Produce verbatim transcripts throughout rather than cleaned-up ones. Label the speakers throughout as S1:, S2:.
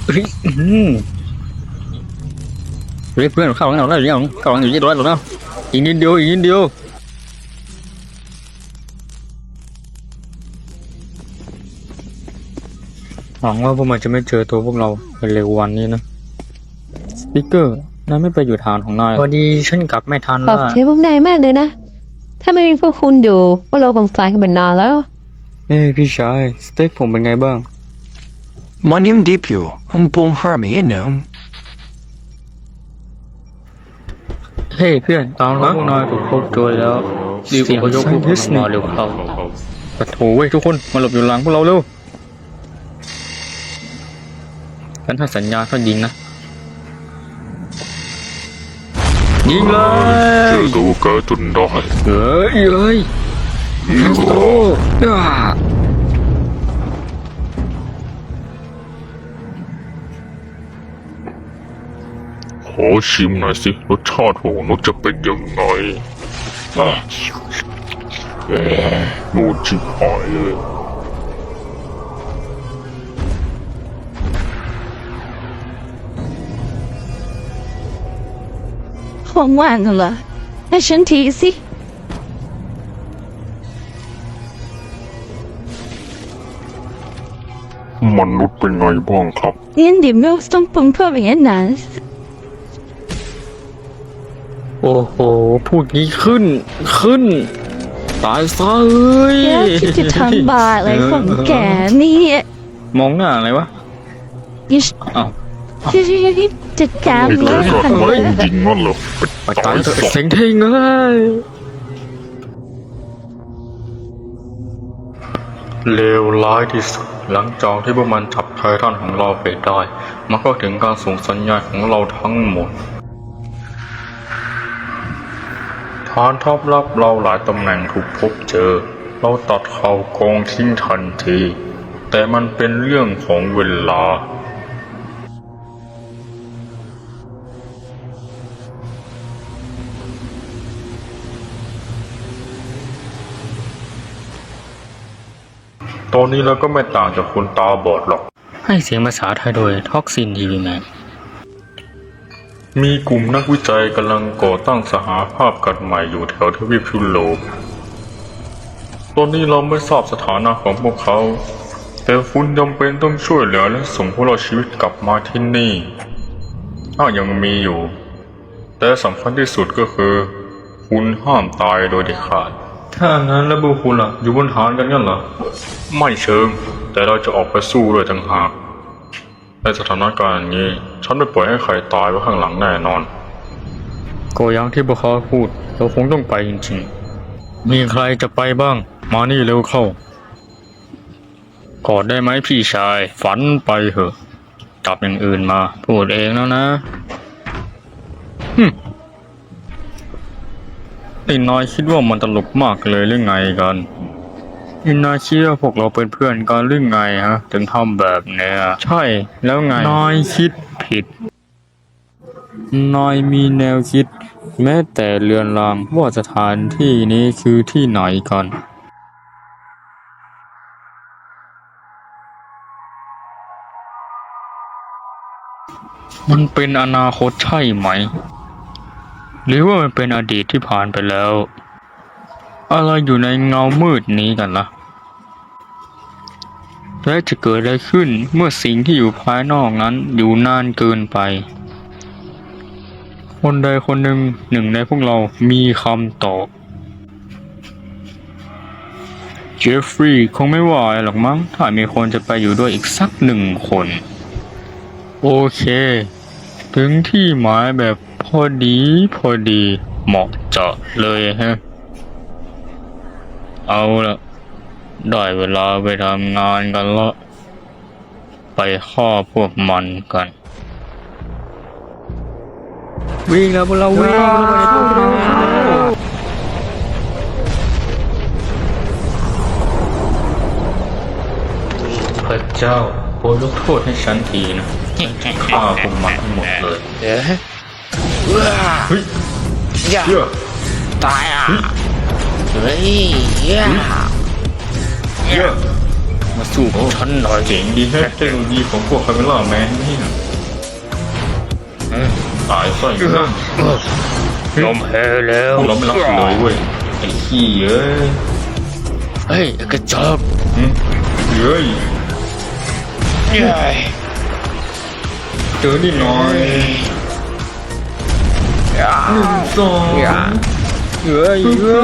S1: เฮ้ยเฮ้ยเพื่อนเข้าหลังเราได้หรือยังเข้าหลังอยู่ยี่ร้อยหรอเนาะอีกนิดเดียวอีกนิดเดียวหวังว่าพวกมันจะไม่เจอตัวพวกเราในเร็ววันนี้นะสปิเกอร์นายไม่ไปอยู่ฐานของนายพอดีฉันกลับไม่ทัน
S2: ข
S1: แล้
S2: อ
S1: ว
S2: บคุณพวกนายมากเลยนะถ้าไม่มีพวกคุณอยู่พวกเราคงตายกันเป็นนานแล้ว
S1: เอ้พี่ชายสเต็กผมเป็นไงบ้าง
S3: มันยังดีอยู่ผมปงหาไม่เห็นนะ
S1: เฮ้ยเพื่อนตามแล้วพวกนายถูกพบตัวแล้วรีบอพยพพวกมันมาเร็วเข้าปะโถเว้ยทุกคนมาหลบอยู่หลังพวกเราเร็วกันถ้าสัญญาก็ยิงนะยิงเลย
S4: เจอตัวแกจนได้
S1: เฮ้ยเฮ้ย
S4: ยิง
S1: โอ้
S4: ก็
S1: ย
S4: ขอชิมหน่อยสิรสชาติของนกจะเป็นยังไงอ่ะแหมโดนชิบหายเลย
S5: ของหวานเหรอให้ฉันทีสิ
S4: มนุษย์เป็นไงบ้างครับ
S5: เรียนดิไม่ต้องปรุงเพิ่มอย่างนั้น
S1: โอ้โหพูดงี้ขึ้นขึ้นตายซะเอ้ย
S5: แล้วคิดจะทำบาปอะไรของแกนี่
S1: มองหน้าอะไรวะ
S5: ยิ่
S1: อ้าว
S5: งจัดการ
S4: ไอ้
S5: เล
S4: แก
S5: ย
S4: ก็
S5: ค่ะ
S4: ไม่จริงนั่นเหรอ
S1: ไปตายเถอะเสียงเท่งเลย เลวร้ายที่สุดหลังจากที่พวกมันจับไททันของเราไปได้ มันก็ถึงการส่งสัญญาณของเราทั้งหมดฐานทัพลับเราหลายตำแหน่งถูกพบเจอ เราตัดเขากองทิ้งทันที แต่มันเป็นเรื่องของเวลาตอนนี้เราก็ไม่ต่างจากคนตาบอดหรอกให้เสียงภาษาไทยโดยท็อกซินทีวีแมนมีกลุ่มนักวิจัยกำลังก่อตั้งสหภาพกันใหม่อยู่แถวทวีปยุโรปตอนนี้เราไม่ทราบสถานะของพวกเขาแต่คุณจำเป็นต้องช่วยเหลือและส่งพวกเราชีวิตกลับมาที่นี่ถ้ายังมีอยู่ แต่สำคัญที่สุดก็คือคุณห้ามตายโดยเด็ดขาดถ้างั้นแล้วพวกคุณล่ะอยู่บนฐานกันงั้นเหรอไม่เชิงแต่เราจะออกไปสู้ด้วยต่างหากในสถานการณ์อย่างนี้ฉันไม่ปล่อยให้ใครตายไว้ข้างหลังแน่นอนก็อย่างที่พวกเขาพูดเราคงต้องไปจริงๆมีใครจะไปบ้างมานี่เร็วเข้ากอดได้ไหมพี่ชายฝันไปเถอะจับอย่างอื่นมาพูดเองแล้วนะฮึไอ้นายคิดว่ามันตลกมากเลยหรือไงกันไอ้นายคิดว่าพวกเราเป็นเพื่อนกันหรือไงฮะถึงทำแบบเนี้ยใช่แล้วไงนายคิดผิดนายมีแนวคิดแม้แต่เรือนรางว่าสถานที่นี้คือที่ไหนกันมันเป็นอนาคตใช่ไหมหรือว่ามันเป็นอดีตที่ผ่านไปแล้วอะไรอยู่ในเงามืดนี้กันล่ะและจะเกิดอะไรขึ้นเมื่อสิ่งที่อยู่ภายนอกนั้นอยู่นานเกินไปคนใดคนหนึ่งหนึ่งในพวกเรามีคำตอบเจฟฟรีย์คงไม่ว่าอะไรหรอกมั้งถ้ามีคนจะไปอยู่ด้วยอีกสักหนึ่งคนโอเคถึงที่หมายแบบพอดีพอดีเหมาะเจาะเลยฮะเอาละได้เวลาไปทำงานกันละไปฆ่าพวกมันกันวิ่งแล้วพวกเราวิ่งพระเจ้าโปรดยกโทษให้ฉันทีนะฆ่าพวกมันทั้งหมดเลย
S3: เอ๊ะ
S1: เฮ้ย
S3: อย่า
S1: เชื่อ
S3: ตายอ่ะเฮ้ยอย่า
S1: เยอะมาสู้กับฉันหน่อย
S4: เจ๋งดีแฮะเทคโนโลยีของพวกคาเมล่าแมนนี่นะเอ้ยตายซะอีกแล้ว
S1: ยอมแพ้แล้ว
S4: เราไม่รักเลยเว้ยไอ้ขี้เอ้ย
S1: เฮ้ยกระจอก
S4: หึเฮ้ยเจอนี่หน่อยหนึ่งสอง
S1: เฮ้ย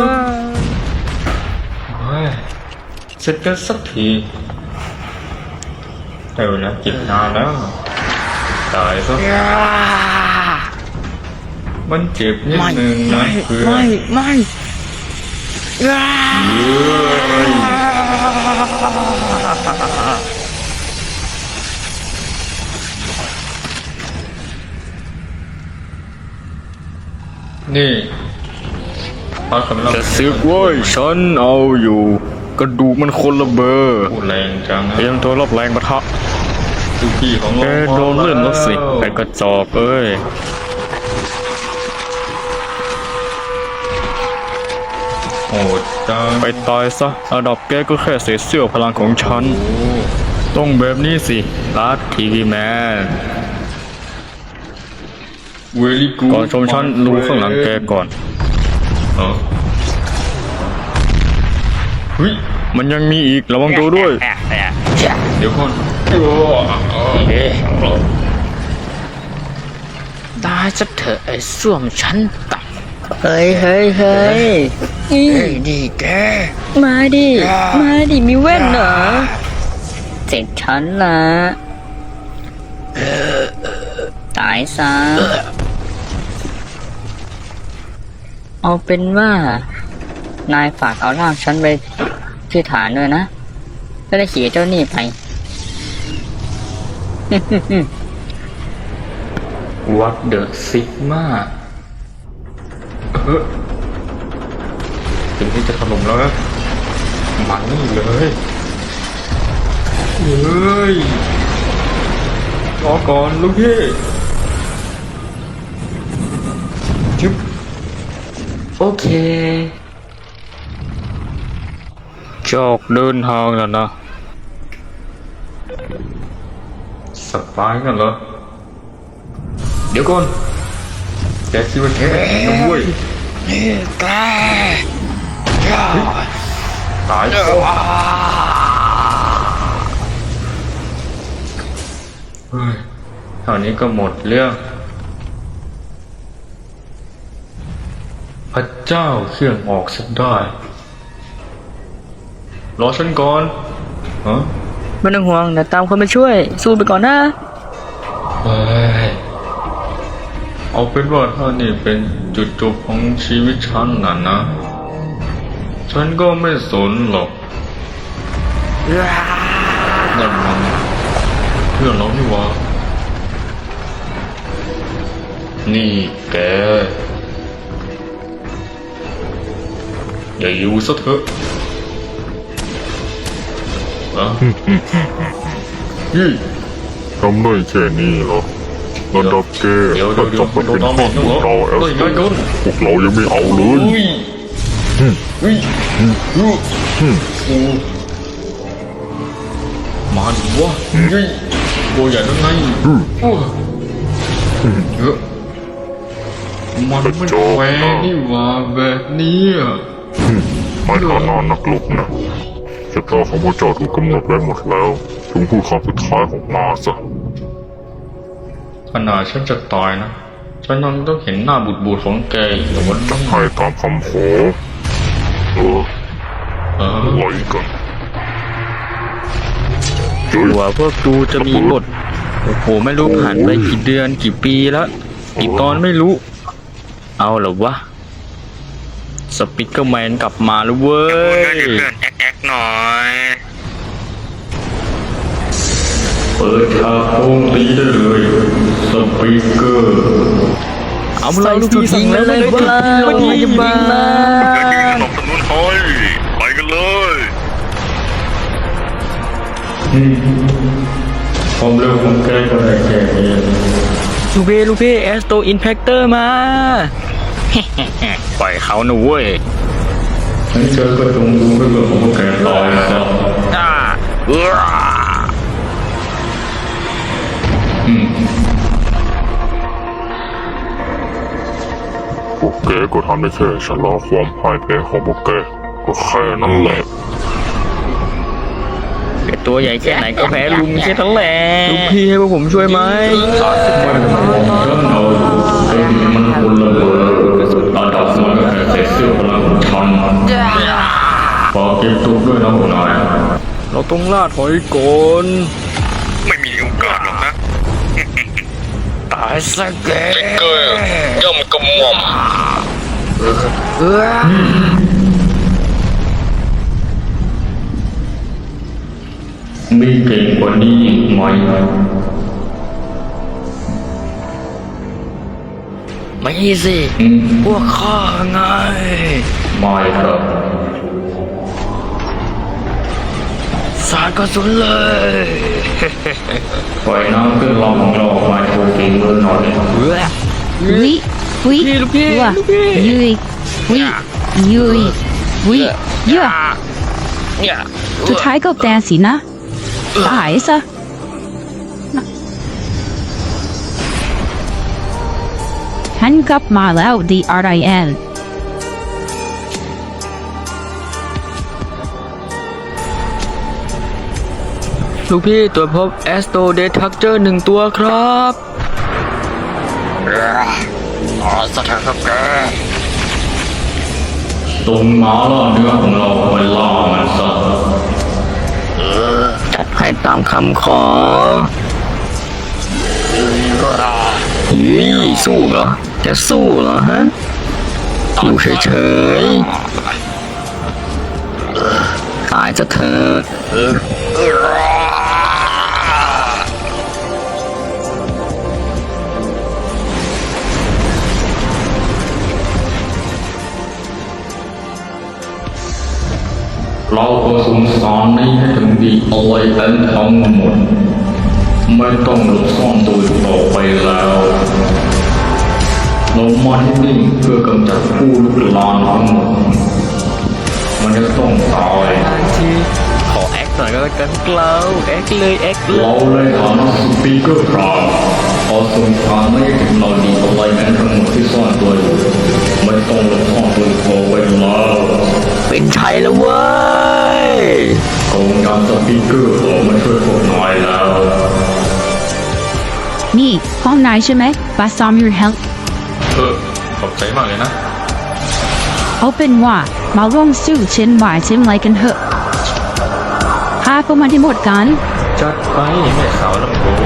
S4: เฮ้ยเสร็จกันสักทีได้เวลาเก็บนานแล้วตายซะมันเจ็บนิดนึงนะเพื่อน
S5: ไม่ไม่
S4: เฮ้ยนี่พาคำเล่า
S1: จะซึกเว้ยฉันเอาอยู่ กระดูกมันคนละเบอร์
S4: พูดแรงจังนะ
S1: เตรียมตัวรับแรงปะทะ
S4: ทุกที่ของ
S1: แก
S4: เรา
S1: โดนเลื่อนแล้วสิไอ้กระจอกเอ้ย
S4: โหดจัง
S1: ไปตายซะระดับแกก็แค่เศษเสี้ยวพลังของฉัน ต้องแบบนี้สิลัดทีวีแมน
S4: เวลี่กู
S1: ก่อนชมฉันดูข้างหลังแกก่อน
S4: เออเฮ้ย
S1: มันยังมีอีกระวังตัวด้วย
S4: เดี๋ยวก่อน
S5: ตายจะเถอะไอ้ส้วมฉันตับเฮ้ยเฮ้ยเฮ้ยเฮ้ยนี่แกมาดิมาดิมีแว่นเหรอเจ็บฉันละตายซะเอาเป็นว่า นายฝากเอาร่างฉันไปที่ฐานด้วยนะจะได้ขี่เจ้านี่ไป
S1: วัดเดอะซิกมา
S4: เออถึงที่จะถล่มแล้วนะมันนี่เลยเฮ้ยรอก่อนลูกพี่จิ๊บ
S5: โอเค
S1: จอกเดินทางแล้วนะ
S4: สปายกันเหรอเดี๋ยวก่อนแกคิดว่าแกแข็งนะเว้ย
S5: แก
S4: ตายซะเฮ้ยเท่านี้ก็หมดเรื่อง พระเจ้าเครื่องออกสักได้ รอฉันก่อนฮะ
S5: ไม่ต้องห่วงเดี๋ยวตามคนมาช่วย สู้ไปก่อนนะ
S4: เฮ้ยเอาเป็นว่าถ้านี่เป็นจุดจบของชีวิตฉันน่ะนะ ฉันก็ไม่สนหรอกนั่นมันเพื่อนเรานี่หวะนี่แก อย่าอยู่ซะเถอะนะยี่ทำได้แค่นี้เหรอระดับแกเดี๋ยวถ้าเดี๋ยวจับมาเป็น เดี๋ยวพวกพวกเราแอลเฮ้ยสไงกันพวกเรายังไม่เอาเลย อุ้ยอุ้ยอุ้ยโอ้มาดิวะยี่ตัวใหญ่แล้วไงโอ้เยอะมันไม่แฟร์นี่หว่าแบบนี้อ่ะ
S6: ในฐานะนักรบนะชะตาของพระเจ้าถูกกำหนดไว้หมดแล้วจงพูดคำสุดท้ายของมาซะ
S4: ขนาดฉันจะตายนะฉันยังต้องเห็นหน้าบูดบูดๆของแกอีกเหรอวันนี้
S6: ให้ตามคำขอเออ
S4: เออ
S6: ไว้กันเจ
S1: หัวพวกกูจะมีบท โอ้โห ไม่รู้ผ่านไปกี่เดือนกี่ปีแล้วกี่ตอนไม่รู้ เอาเหรอวะ สปิกเกอร์แมนกลับมาแล้วเว้ย
S4: เปิดฉากโจมตีได้เลยสปีกเกอร์
S1: เอาเราลูกพี่สั่งแล้วเลยว่าไม่ดีบ้า
S6: สนับสนุนให้ไปกันเลย
S4: ความเร็วของแกก็ได้แค่นี้
S1: ลูกพี่ลูกพี่แอสโตอินแพคเตอร์มา ปล่อยเขาหนูเว้ย
S4: ฉันเจอก็จงดูเรื่องของพวกแกตายซะ
S1: อ่าเออ
S6: แกก็ทำได้แค่ชะลอความพ่ายแพ้ของพวกแกก็แค่นั้นแหละ
S5: ตัวใหญ่แค่ไหนก็แพ้ลุงแค่นั้นแหละลุงพี่ให้พวกผมช่วยไหม
S1: มันคนละเบอร์ระดับมันก็แค่เสื้อพลังของฉันฝากเก็บตัวด้วยนะหัวหน้า
S5: เราต้องล่าถอยก่อน
S6: ไม่มีโอกาสหรอกนะ
S5: ตายซะแก
S6: เกย์ย่อมกระหม่อม
S5: เออ
S1: มีเก่งกว่านี้อีกไหม
S5: ไม่สิ
S1: อืม
S5: พวกข้าไง
S1: ไม่ครับ
S5: สาดกระสุนเลย
S1: ปล่อยน้ำขึ้นลองของเราออกมาโชว์ฝีมือหน่อย
S5: เฮ้ย
S2: วิวิ
S5: ลูกพี่
S2: ว่ะ
S5: ลูกพี่
S2: ยุยวิยุยวิเยอะ
S5: เนี่ย
S2: สุดท้ายก็แปลสินะตายซะฉันกลับมาแล้ว The อาร์ ไอ เอ็น
S5: ลูกพี่ตรวจพบแอสโตเดทักเจอร์หนึ่งตัวครับ
S6: อ๋อสถานครับแก
S1: ตรงม้าล่าเนื้อของเราไปล่ามันซะ
S5: จัดให้ตามคำขอเฮ้ยสู้เหรอ จะสู้เหรอฮะ อยู่เฉยๆ ตายซะเถอะ
S1: เราก็สงสารนี้ให้ถึงดีเอาไว้เป็นทั้งหมด ไม่ต้องหลบซ่อนตัวอยู่ต่อไปแล้วเรามาที่นี่เพื่อกำจัดผู้ลุกลานทั้งหมด มันจะต้องตาย
S5: บางทีขอแอคหน่อยก็แล้วกันเกลาแอคเลยแอคเล
S1: เรา
S5: ย
S1: ในฐานะสปีกเกอร์ครามขอส่งทางไม่ถึงเราดีเอาไว้แม้ทั้งหมดที่ซ่อนตัวอยู่ไม่ต้องหลบซ่อนตัวต่อไปแล้ว
S5: เป็นชัยแล้วเว้ย
S1: กองยามสปีกเกอร์ออกมาช่วยพวกนายแล้ว
S2: นี่ห้องนายใช่ไหม Best on your health
S1: เออขอบใจมากเลยนะ
S2: เอาเป็นว่ามาลงสู้เช่นวายเช่นไรกันเถอะพาพวกมันที่หมดกัน
S1: จัดไปแม่สาวลำโพง